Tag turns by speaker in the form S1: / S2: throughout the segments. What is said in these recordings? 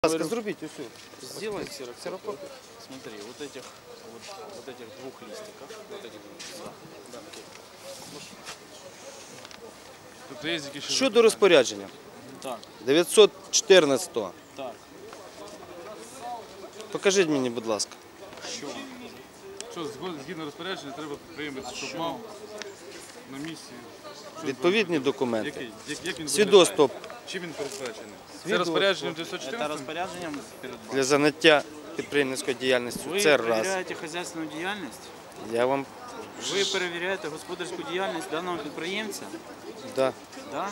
S1: Зробіть усю.
S2: Сделай ксерокопию. Смотри, вот этих двух листиков, вот этих два. Да, окей.
S1: Щодо розпорядження.
S2: Так,
S1: 914-го.
S2: так.
S1: Покажіть мені, будь ласка.
S3: Що, згідно розпорядження, треба підприємець, щоб мав на місці.
S1: Відповідні документи.
S3: Як він
S1: Свідоцтво
S3: чим він передбачений? Це розпорядженням
S2: Это
S3: 914?
S2: распоряжением передбачено.
S1: для заняття підприємницькою діяльністю.
S2: Ви
S1: Це раз.
S2: перевіряєте хазяйственну діяльність?
S1: Я вам...
S2: Ви перевіряєте господарську діяльність даного підприємця?
S1: Да.
S2: Да?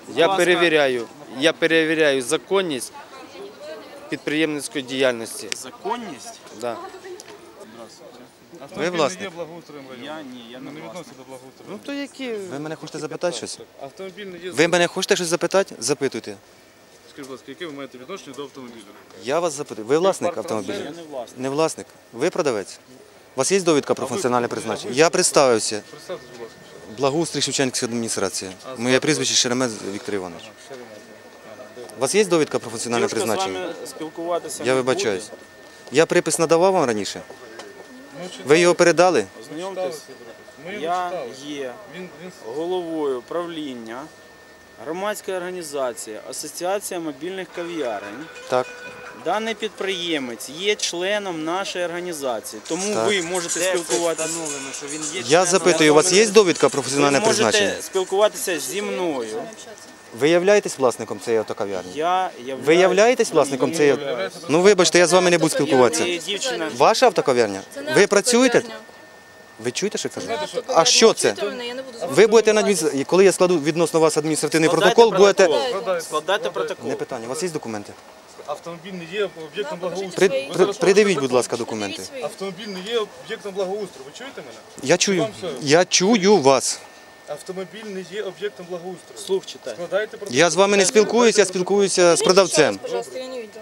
S1: Я перевіряю законність підприємницької діяльності.
S2: Законність?
S1: Да.
S3: Автомобіль
S1: власник?
S3: не є благоустройом району.
S2: Я не
S3: Не
S2: власник.
S3: відноситься до благоустрою.
S1: Ну то які...
S4: Ви мене хочете запитати щось?
S3: Автомобіль не є...
S4: Ви мене хочете щось запитати? Запитуйте.
S3: Скажіть, будь ласка, яке ви маєте відношення до автомобіля?
S4: Я вас запитую. Ви власник автомобіля?
S2: Я не власник.
S4: Не власник. Ви продавець? У вас є довідка про функціональне призначення? Я представився.
S3: Представте, будь ласка.
S4: Благоустрій Шевченківська адміністрація. Моє прізвище Шеремет Віктор Іванович. У вас є довідка про функціональне
S2: Дівчинка з
S4: призначення?
S2: вами спілкуватися
S4: Я
S2: не
S4: вибачаюсь.
S2: буде.
S4: Я припис надавав вам раніше? Ви його передали?
S2: Ознайомтесь.
S3: Ми його
S2: Я
S3: читали.
S2: є
S3: Він
S2: головою правління громадської організації Асоціація мобільних кав'ярень.
S4: Так.
S2: Даний підприємець є членом нашої організації, тому
S4: Так.
S2: ви можете спілкуватися.
S4: Я запитую, у вас є довідка про
S2: Ви
S4: функціональне призначення?
S2: можете спілкуватися зі мною.
S4: Ви являєтесь власником цієї автокав'ярні?
S2: Я
S4: Ви являєтесь власником цієї? Ну вибачте, я з вами не буду
S2: Є
S4: спілкуватися.
S2: дівчина.
S4: Ваша автокав'ярня? Ви працюєте? Ви чуєте, що кажу? А що це? Ви будете на коли я складу відносно вас адміністративний протокол, будете...
S2: Складайте протокол.
S4: Не питання, у вас є документи?
S3: Автомобіль не є об'єктом благоустрою.
S4: Придивіть, будь ласка, документи.
S3: Автомобіль не є об'єктом благоустрою. Ви чуєте мене?
S4: Я чую вас.
S3: Автомобіль не є об'єктом благоустрою.
S2: Слух читай.
S3: Складайте протокол.
S4: Я з вами не спілкуюся, я спілкуюся з продавцем.
S5: Пожалуйста, я не видела.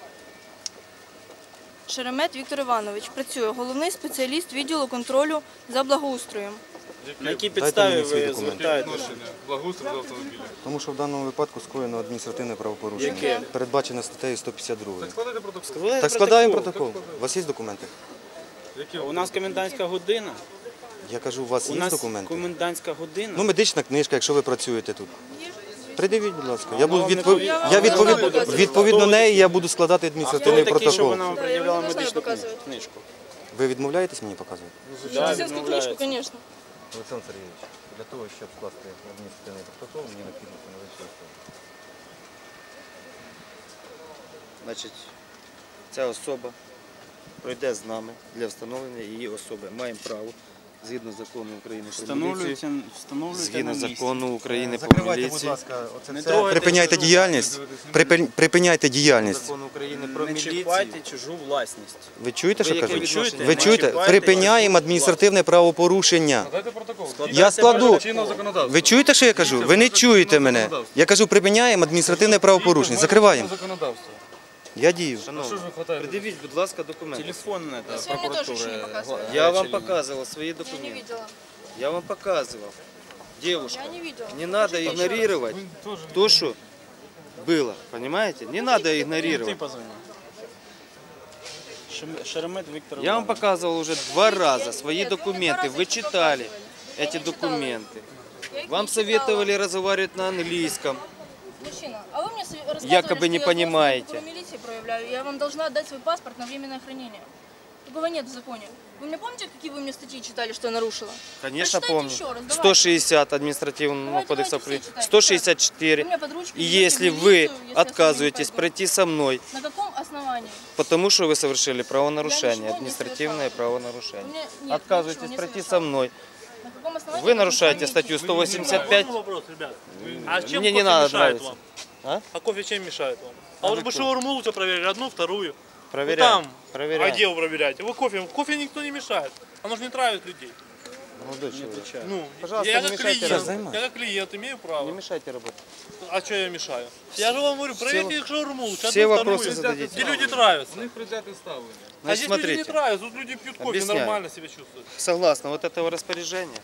S5: Шеремет Віктор Іванович працює головний спеціаліст відділу контролю за благоустроєм.
S2: На якій підставі
S4: мені свій
S2: ви
S4: документ.
S2: звертаєтеся?
S3: Відношення благоустрою до автомобіля.
S4: Тому що в даному випадку скоєно адміністративне правопорушення.
S2: Яке?
S4: Передбачено статтею 152.
S3: Складайте протокол.
S2: Складайте
S4: Так складаємо протокол. У вас є документи?
S2: У нас комендантська година.
S4: Я кажу, у вас
S2: У
S4: є
S2: нас
S4: документи?
S2: комендантська година.
S4: Ну, медична книжка, якщо ви працюєте тут. Придивіть, будь ласка. Я буду
S2: вам не
S4: відповідно неї я буду складати
S2: Хто ви
S4: адміністративний
S2: такі, що
S4: протокол.
S2: вона вам пред'являла
S5: не
S2: медичну
S5: знаю, показують.
S2: книжку?
S4: Ви відмовляєтесь мені показувати?
S2: Да,
S5: Медицинську книжку,
S2: відмовляється.
S5: звісно.
S4: Олександр Сергійович, для того, щоб скласти адміністративний протокол, мені необхідно встановити особу.
S1: Значить, ця особа пройде з нами для встановлення її особи. Маємо право, згідно закону України про міліцію,
S2: Встановлюйте
S1: згідно
S2: на місці.
S1: закону України про
S4: Закривайте, будь
S1: міліцію,
S4: ласка, оце
S2: Не
S4: все.
S2: трогайте
S4: Припиняйте
S2: чужу
S4: діяльність. Припиняйте діяльність.
S1: закону України про
S2: Не
S1: міліцію.
S2: чіпайте чужу власність.
S4: Ви чуєте, що
S1: яке
S4: кажу?
S1: відношення
S4: Ви
S1: маєте?
S4: чуєте? Припиняємо адміністративне правопорушення.
S3: Складайте протокол.
S4: Я складу.
S3: Чинного законодавства.
S4: Ви чуєте, що я кажу? Ви не чуєте мене. Я кажу, припиняємо адміністративне правопорушення. Закриваємо.
S3: Законодавство.
S4: Я дію.
S3: Що ж ви хватаєте?
S1: Придивіть, будь ласка, документи.
S2: Телефон это,
S5: С вами тоже еще не
S2: прокуратуры.
S5: показывали.
S1: Я вам показывал свои
S5: Я не
S1: документы.
S5: видела.
S1: Я вам показывал. Девушка,
S5: Я не видела.
S1: не надо игнорировать то, что было. Понимаете? Не надо
S2: Ты
S1: игнорировать.
S2: позвони. Шеремет Виктор
S1: Я вам
S2: Иванович.
S1: показывал уже 2 раза свои
S5: Нет, вы мне
S1: документы.
S5: два
S1: Вы
S5: раза
S1: читали
S5: показывали. Я
S1: эти
S5: не читала
S1: документы.
S5: Я их
S1: Вам
S5: не читала.
S1: советовали разговаривать на английском.
S5: Мужчина, а вы мне рассказывали,
S1: Якобы не
S5: что
S1: понимаете.
S5: я в милиции проявляю. Я вам должна отдать свой паспорт на временное хранение. Такого нет в законе. Вы мне помните, какие вы мне статьи читали, что я нарушила?
S1: Конечно,
S5: Прочитайте
S1: помню.
S5: еще раз, давайте.
S1: 160 административного
S5: Давайте,
S1: кодекса
S5: давайте
S1: Украины,
S5: все читайте.
S1: 164.
S5: Вы меня под ручку
S1: И
S5: ведете в
S1: если
S5: милицию,
S1: вы
S5: если я с вами не
S1: отказываетесь
S5: пойду.
S1: пройти со мной,
S5: На каком основании?
S1: потому что вы совершили правонарушение,
S5: ничего не
S1: административное
S5: совершала.
S1: правонарушение.
S5: У меня нет,
S1: Отказываетесь
S5: ничего не
S1: пройти
S5: совершала.
S1: со мной.
S5: На каком основании?
S1: Вы нарушаете статью 185.
S6: Можно вопрос, ребят? А чем
S1: Мне
S6: кофе
S1: не надо
S6: мешает
S1: нравится.
S6: вам?
S1: А?
S6: А кофе чем мешает вам? А вот бы шаурму лучше проверили, одну, вторую.
S1: Проверяем.
S6: Ну, там. А
S1: Проверяем.
S6: где вы проверяете? Вы кофе. Кофе никто не мешает. Оно же не травит людей.
S1: Молодой человек.
S6: Ну,
S1: Пожалуйста,
S6: я
S1: не
S6: как
S1: мешайте
S6: клиент,
S4: работать.
S6: я как клиент имею право.
S1: Не мешайте работать.
S6: А что я мешаю? Я же вам говорю, проверьте их шаурму лучше,
S1: все
S6: одну,
S1: вопросы
S6: вторую.
S1: зададите.
S6: Где люди травятся.
S3: У них предвзяте ставлення.
S6: А
S1: Значит,
S6: здесь люди не
S1: смотрите,
S6: травятся, тут люди пьют кофе,
S1: Объясняю.
S6: нормально себя чувствуют.
S1: согласно вот этого розпорядження,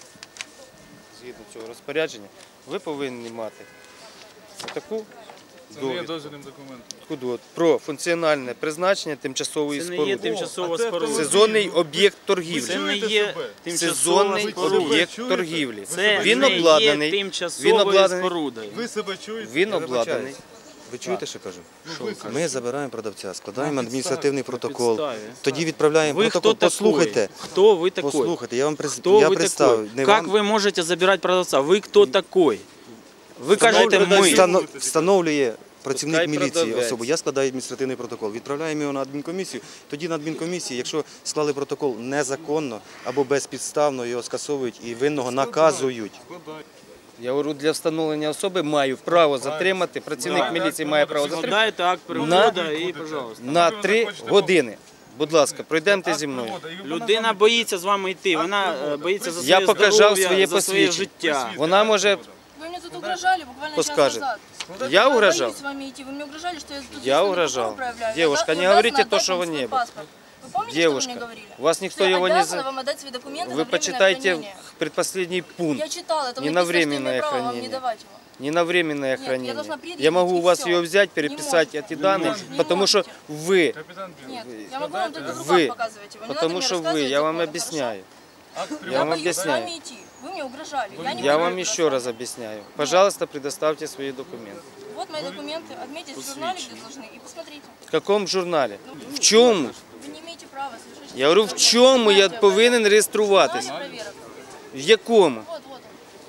S1: згідно цього розпорядження, ви повинні мати таку
S3: Це не є
S1: довідку.
S3: дозвільним документом.
S1: Куди? Про функціональне призначення тимчасової
S2: Це не є
S1: споруди.
S2: тимчасова
S3: А це
S2: споруда.
S1: Сезонний об'єкт
S2: Це
S1: торгівлі.
S2: не
S3: чуєте
S2: є
S3: себе?
S2: тимчасова
S1: Сезонний
S2: споруда.
S1: об'єкт
S3: чуєте?
S1: торгівлі.
S2: Це
S1: Він
S2: не є
S1: обладнаний.
S2: тимчасовою
S1: Він обладнаний.
S2: спорудою.
S3: Ви себе чуєте?
S1: Він
S4: Я
S1: обладнаний.
S4: вибачаюсь. Ви чуєте, що кажу?
S3: Ви себе.
S4: Ми забираємо продавця, складаємо адміністративний протокол,
S2: підставі.
S4: тоді відправляємо
S2: Вы кто
S4: протокол.
S2: такой?
S4: Послухайте,
S2: Кто вы такой?
S4: послухайте, я вам
S2: Кто
S4: я
S2: вы
S4: представив.
S2: такой?
S4: Не
S2: Как
S4: вам.
S2: вы можете забирать продавца? Вы кто такой? Ви кажете ми.
S4: Встановлює працівник
S1: Пускай
S4: міліції
S1: продавець.
S4: особу. Я складаю адміністративний протокол. Відправляємо його на адмінкомісію. Тоді на адмінкомісії, якщо склали протокол незаконно або безпідставно, його скасовують і винного наказують.
S3: Складай.
S1: Я говорю, для встановлення особи маю право затримати, працівник міліції має право затримати
S2: Складаєте акт переводу і, пожалуйста.
S1: на 3 години. Будь ласка, пройдемте зі мною.
S2: Людина боїться з вами йти, вона боїться за
S1: Я
S2: своє
S1: показав
S2: здоров'я,
S1: своє
S2: за своє
S1: посвідчення.
S2: життя.
S1: Вона може,
S5: Вы мне тут угрожали буквально час
S1: Подскажет.
S5: назад.
S1: я
S5: Я
S1: угрожал.
S5: боюсь с вами идти. Вы мне угрожали, что я тут
S1: Я
S5: личный
S1: угрожал.
S5: протокол проявляю.
S1: Девушка,
S5: Я
S1: не
S5: обязана
S1: говорите то,
S5: отдать
S1: что
S5: вам
S1: вы
S5: свой
S1: не были.
S5: паспорт. Вы помните,
S1: Девушка,
S5: что вы мне говорили?
S1: вас никто
S5: Что я
S1: его не
S5: обязана
S1: за...
S5: вам отдать свои документы на
S1: Вы
S5: временное
S1: почитайте
S5: хранение.
S1: предпоследний пункт.
S5: Я читала, это
S1: Не
S5: написано,
S1: на
S5: что я
S1: временное
S5: имею право вам не
S1: хранение.
S5: давать его.
S1: Не на временное
S5: Нет, я
S1: хранение.
S5: должна предъявить,
S1: Я могу
S5: и
S1: у вас
S5: всё.
S1: ее взять,
S5: Не
S1: переписать
S5: можете.
S1: эти данные,
S5: Не
S1: потому что
S5: можете.
S1: вы,
S3: Капітан Білий.
S5: Нет, я могу вам только в руках
S1: Вы.
S5: показывать его. Не надо
S1: потому
S5: мне
S1: что вы,
S5: рассказывать
S1: я вам
S5: законы,
S1: объясняю.
S3: Акт
S5: хорошо?
S1: Я
S5: Я
S1: вам
S5: боюсь с
S1: объясняю.
S5: вами идти. Вы мне угрожали. Я не
S1: Я
S5: буду
S1: вам еще раз
S5: рассказывать.
S1: объясняю. Пожалуйста, предоставьте свои документы.
S5: Вот мои документы. Отметьте в журнале, где должны. И посмотрите.
S1: В каком журнале? В чому?
S5: Вы не имеете права совершить.
S1: Я говорю, в чому я повинен реєструватись?
S5: Проверок.
S1: В якому?
S5: Вот, вот.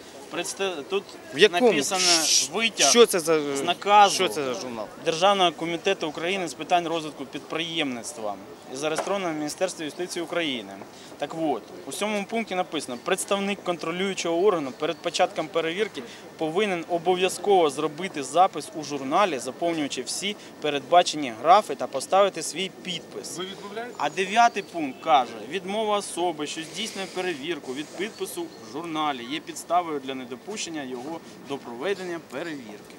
S2: Тут
S1: В якому?
S2: написано витяг
S1: Що це за
S2: з наказу
S1: Що це за журнал?
S2: Державного комітету України з питань розвитку підприємництва і зареєстровано в Міністерстві юстиції України. Так от, у 7 пункті написано, представник контролюючого органу перед початком перевірки повинен обов'язково зробити запис у журналі, заповнюючи всі передбачені графи та поставити свій підпис.
S3: Ви відмовляєте?
S2: А 9 пункт каже, відмова особи, що здійснює перевірку від підпису в журналі, є підставою для недопущення його до проведення перевірки.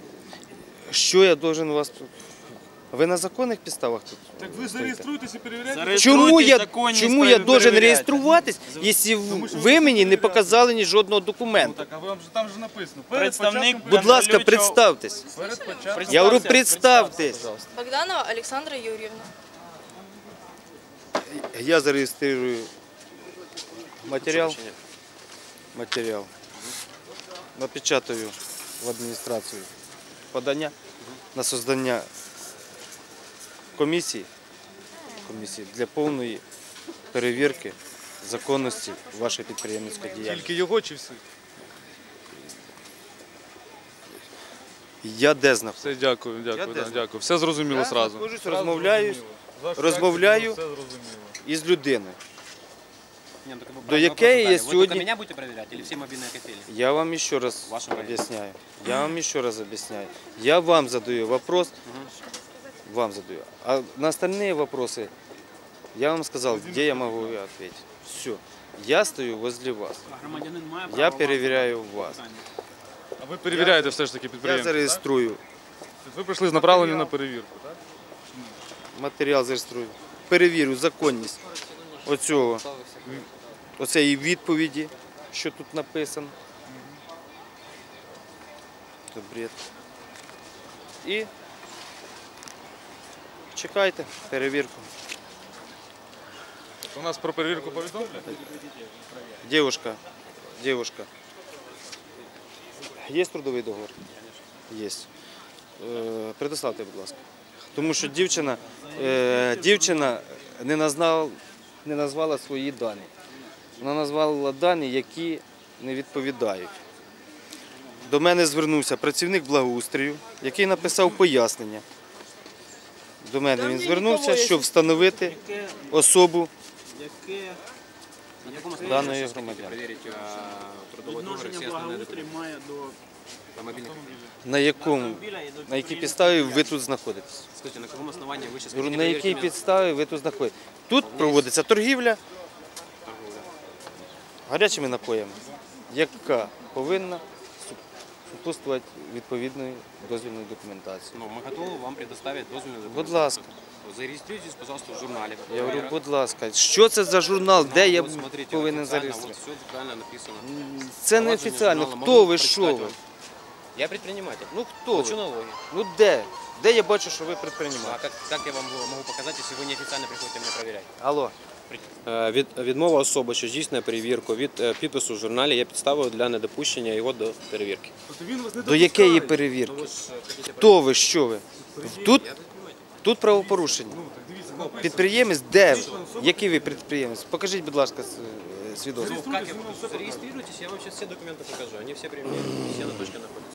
S1: Що я должен у вас тут? Ви на законних підставах тут?
S3: Так ви зареєструєтесь і перевіряєте?
S1: Чому я
S2: законність
S1: должен
S2: перевіряйте.
S1: реєструватись, якщо ви мені не показали ні жодного
S3: Ну
S1: документу?
S3: так, а вам же там же написано.
S2: Представник
S1: Будь ласка, представтесь.
S3: Перед початком.
S1: Я говорю, представтесь.
S5: Богданова Александра Юрьевна.
S1: Я зареєструю матеріал. Напечатаю в адміністрацію подання на создання комісії для повної перевірки законності вашої підприємницької діяльності.
S3: Тільки його чи всі?
S1: Я де знаходжусь?
S3: Все, дякую,
S1: Я
S3: дякую,
S1: де
S3: да, дякую. Все зрозуміло
S1: Я
S3: зразу.
S1: знаходжусь, розмовляю
S3: Ваша
S1: розмовляю.
S3: реакція, все зрозуміло.
S1: із людиною.
S7: Не, ну, так вы
S1: До
S7: правильный
S1: якої
S7: вопрос
S1: я
S7: задали. Вы только
S1: сьогодні...
S7: меня будете проверять или все мобильные кофейни?
S1: Я вам еще раз
S7: Ваше мнение.
S1: объясняю. Я вам еще раз объясняю. Я вам задаю вопрос, вам задаю. А на остальные вопросы я вам сказал, где я могу ответить. Все. Я стою возле вас.
S2: Громадянин має право
S1: Я
S2: вам
S1: перевіряю вас.
S3: А ви перевіряєте все ж таки
S1: Я
S3: підприємство?
S1: зареєструю
S3: так? Ви прийшли з направленням на перевірку, так?
S1: матеріал, зареєструю. Перевірю законність оцеї відповіді, що тут написано. Тут бред. І чекайте перевірку.
S3: У нас про перевірку повідомлять?
S1: Девушка, є трудовий договор? Є. Предоставте, будь ласка. Тому що дівчина не назвала свої дані. Вона назвала дані, які не відповідають. До мене звернувся працівник благоустрою, який написав пояснення. До мене він звернувся, щоб встановити особу
S7: На каком основании
S1: даної
S7: вы сейчас хотите
S1: громадянки.
S7: проверить трудовой договор и все
S2: Відношення
S7: остальные
S2: благоустрій
S7: документы?
S2: має до
S7: На мобильных кофейнях.
S1: На якій підставі ви тут знаходитесь.
S7: Скажите, на каком основании вы сейчас
S1: Говорю,
S7: хотите
S1: на
S7: проверить
S1: якій
S7: меня?
S1: підставі ви тут знаходитесь? Тут проводиться торгівля гарячими напоями, яка повинна супутствувати відповідної дозвільної документації.
S7: Ну, мы готовы вам предоставить дозвольную
S1: Будь
S7: документацию.
S1: ласка.
S7: Зарегистрируйтесь, пожалуйста, в журнале.
S1: Я говорю, будь ласка, що це за журнал, де я
S7: Вот смотрите,
S1: повинен
S7: официально,
S1: зареєструвати?
S7: Вот все правильно написано.
S1: Це не
S7: Провадження
S1: офіційно.
S7: журналу
S1: Хто
S7: можу
S1: ви, що
S7: прочитати
S1: ви?
S7: вам. Я предприниматель.
S1: Ну хто
S7: Плачу
S1: ви?
S7: налоги.
S1: Ну де? Де я бачу, що ви
S7: А
S1: предприниматель?
S7: как я вам могу показать, если вы неофициально приходите меня проверять?
S1: Алло.
S8: Відмова особи, що здійснює перевірку від підпису в журналі, є підставою для недопущення його до перевірки.
S3: Тобто він вас не
S1: До якої перевірки? Хто ви, що ви? Тут правопорушення. Підприємець де? Який ви підприємець? Покажіть, будь ласка, свідоцтво.
S7: Как я зарегистрируйтесь, я вам сейчас все документы покажу. Они все при мне, все на точке находятся.